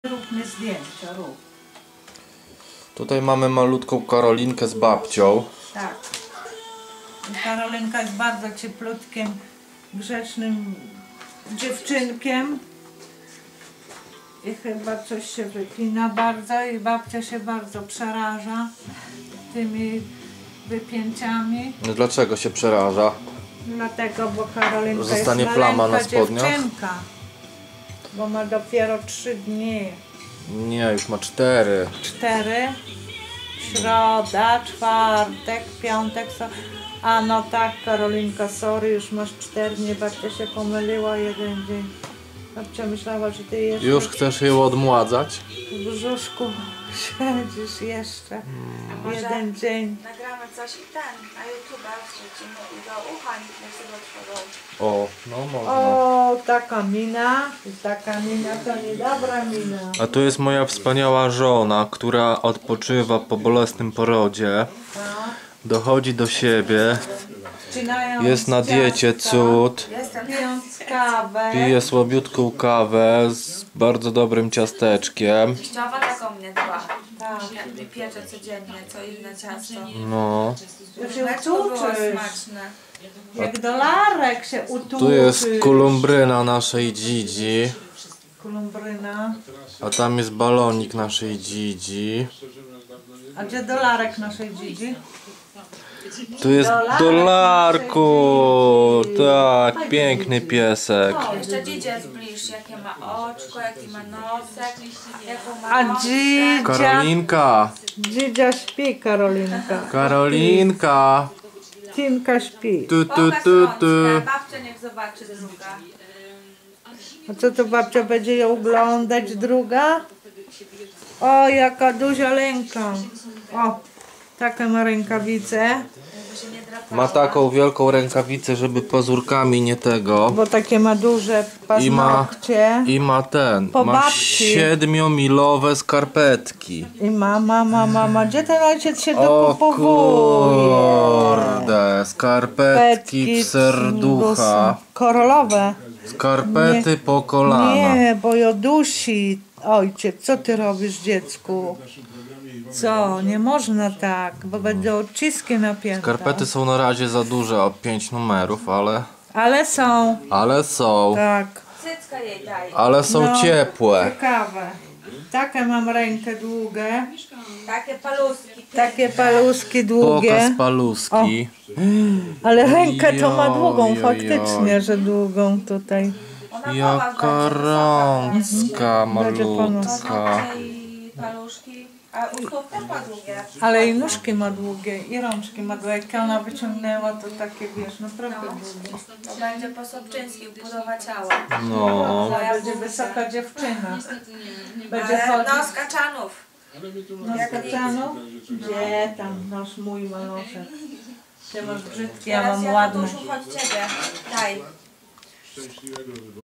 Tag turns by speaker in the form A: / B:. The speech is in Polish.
A: Rób mi zdjęcia, rób.
B: Tutaj mamy malutką Karolinkę z babcią.
A: Tak. I Karolinka jest bardzo cieplutkim, grzecznym dziewczynkiem. I chyba coś się wypina bardzo i babcia się bardzo przeraża tymi wypięciami.
B: No dlaczego się przeraża?
A: Dlatego, bo Karolinka
B: Zostanie
A: jest
B: plama
A: maleńka
B: na spodniach?
A: dziewczynka. Bo ma dopiero 3 dni.
B: Nie, już ma 4.
A: 4, środa, czwartek, piątek, a no tak, Karolinka, sorry, już masz 4 dni, babcia się pomyliła, 1 dzień. Babcia myślała, że ty jeszcze
B: Już chcesz ją odmładzać?
A: w brzuszku siedzisz jeszcze 1 dzień.
C: Nagramy coś i na YouTube wrzucimy i do ucha niech sobie otworzą.
B: O, no można.
A: O, taka mina, i taka mina to niedobra mina.
B: A tu jest moja wspaniała żona, która odpoczywa po bolesnym porodzie. Dochodzi do siebie.
A: Wcinając
B: Jest na diecie,
A: ciastka,
B: cud.
A: pijąc kawę.
B: Pije słabiutką kawę z bardzo dobrym ciasteczkiem.
C: Teściowa taką mnie dba.
A: Tak.
C: Mi piecze codziennie, co inne ciasto.
B: No.
A: To się
C: Mleczko było
A: utuczysz.
C: smaczne.
A: Jak dolarek się utuczysz.
B: Tu jest kolumbryna naszej Dzidzi.
A: Kolumbryna.
B: A tam jest balonik naszej Dzidzi.
A: A gdzie dolarek naszej Dzidzi?
B: Tu jest Dolarku. Tak, piękny piesek.
C: Jeszcze Dzidzie zbliż, jakie ma oczko, jaki ma nosek, jaką ma
A: A
C: nosę.
A: Dzidzia...
B: Karolinka.
A: Dzidzia śpi, Karolinka.
B: Karolinka.
A: Tinka śpi.
B: Tu, tu,
C: Pokaż
B: tu,
C: rączkę,
B: tu.
C: babcia niech zobaczy druga.
A: A co to babcia będzie ją oglądać, druga? O, jaka duża ręka. O, takie ma rękawice.
C: Żeby się nie drapała.
B: Ma taką wielką rękawicę, żeby pazurkami nie tego.
A: Bo takie ma duże paznokcie.
B: I ma ten.
A: Po
B: Ma
A: babci.
B: 7-milowe skarpetki.
A: I mama. Gdzie ten ojciec się
B: O
A: dokupowuje?
B: kurde, skarpetki w serducha.
A: Korolowe.
B: Skarpety po kolana.
A: Nie, bo ją dusi. Ojciec, co ty robisz, dziecku? Co? Nie można tak, bo będą odciski napięte.
B: Skarpety są na razie za duże o 5 numerów,
A: Ale są.
B: ale są.
A: Tak.
C: Cycka jej daj.
B: Ale są
A: No.
B: ciepłe.
A: Ciekawe. Takie mam rękę długie.
C: Takie paluski.
A: Takie paluski długie.
B: Pokaz paluski.
A: Ale rękę to ma długą,
B: Joj,
A: faktycznie, że długą tutaj.
C: Ona
B: Jaka rączka
A: Będzie
B: malutka.
C: i paluszki. A u stóp też ma długie.
A: Ale i nóżki ma długie, i rączki ma długie. Jak ona wyciągnęła, to takie, wiesz, naprawdę długie.
C: To będzie po Sobczyńskiej budowa ciała.
B: No.
A: Ona będzie wysoka dziewczyna. Będzie
C: Ale
A: chodzić.
C: no z kaczanów.
A: No z kaczanów? Gdzie tam? Masz mój maloszek. Ty masz brzydki, ja
C: Teraz
A: mam
C: ja
A: ładny.
C: tu chodź ciebie. Daj.